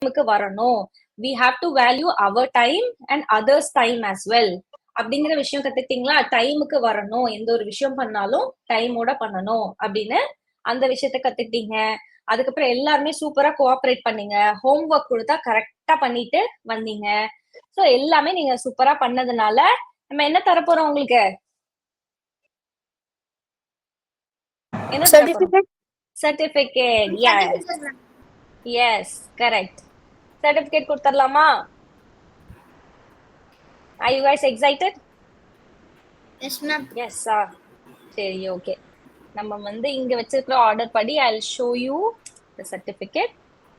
டைமுக்கு வரணும். we have to value our time and others time as well அப்படிங்கிற விஷயம் கத்துக்கிட்டீங்களா? டைமுக்கு வரணும், எந்த ஒரு விஷயம் பண்ணாலும் டைமோட பண்ணணும் அப்படின்னு அந்த விஷயத்த கத்துக்கிட்டீங்க. அதுக்கப்புறம் எல்லாருமே சூப்பரா கோஆபரேட் பண்ணீங்க. ஹோம் ஒர்க் கொடுத்தா கரெக்டா பண்ணிட்டு வந்தீங்க. சோ எல்லாமே நீங்க சூப்பரா பண்ணதுனால நம்ம என்ன தரப்போறோம் உங்களுக்கு? என்ன தரப்போறோம்? சர்டிபிகேட். Yes correct. சர்டிபிகேட் கொடுத்துடலாமா? Are you guys excited? Yes, ma'am. Yes, sir. சரி, ஓகே. நம்ம வந்து இங்க வச்சிருக்கிற ஆர்டர் படி I'll show you the certificate.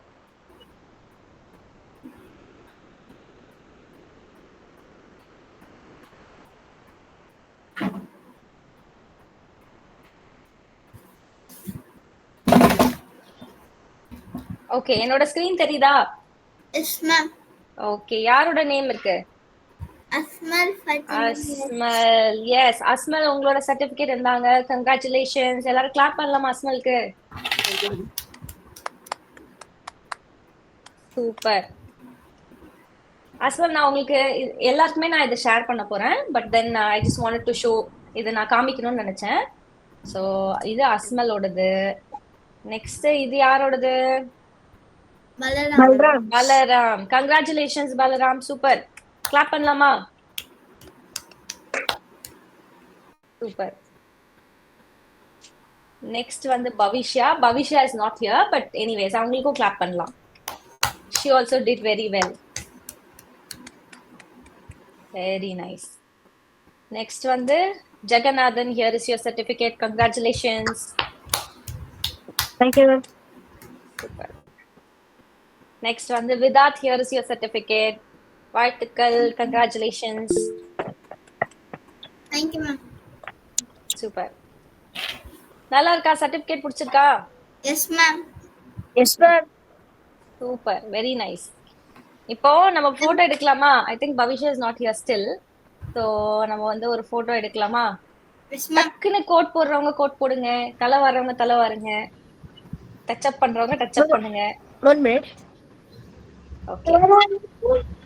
Okay, என்னோட ஸ்கிரீன் தெரியுதா? Yes, ma'am. ஓகே, யாரோட நேம் இருக்கு? Asmal Fatima. Asmal. Yes, Asmal உங்களோட சர்டிபிகேட் இருந்தாங்க. கங்க்ராச்சுலேஷன்ஸ். எல்லாரும் கிளாப் பண்ணலாமா அஸ்மலுக்கு? சூப்பர். அஸ்மல், நான் உங்களுக்கு எல்லாருக்குமே நான் இதை ஷேர் பண்ண போறேன். But then I just wanted to show, இதை நான் காமிக்கணும்னு நினைச்சேன். சோ இது அஸ்மலோடது. நெக்ஸ்ட் இது யாரோடது? Balaram. Balaram. Congratulations Balaram, super. Clap பண்ணலாமா? சூப்பர். நெக்ஸ்ட் வந்து Bhavishya. Bhavishya is not here, but anyways அவங்களுக்கும் கிளாப் பண்ணலாம். she also did very well. Very nice. Next வந்து Jeganathan. here is your certificate. Congratulations. Thank you. Super. Next வந்து விதாத். here is your certificate. வாழ்த்துக்கள். Congratulations. Thank you, ma'am. Super. நல்லா இருக்கா? Certificate பிடிச்சிருக்கா? Yes, ma'am. Yes, ma'am. Super, very nice. இப்போ நம்ம photo எடுக்கலாமா? I think Bhavishya is not here still. So நம்ம வந்து ஒரு போட்டோ எடுக்கலாமா? Yes, ma'am. டக்குன்னு கோட் போடுறவங்க கோட் போடுங்க, தலை வர்றவங்க தலை வாருங்க, டச் அப் பண்றவங்க டச் அப் பண்ணுங்க. 1 minute. ஓகே.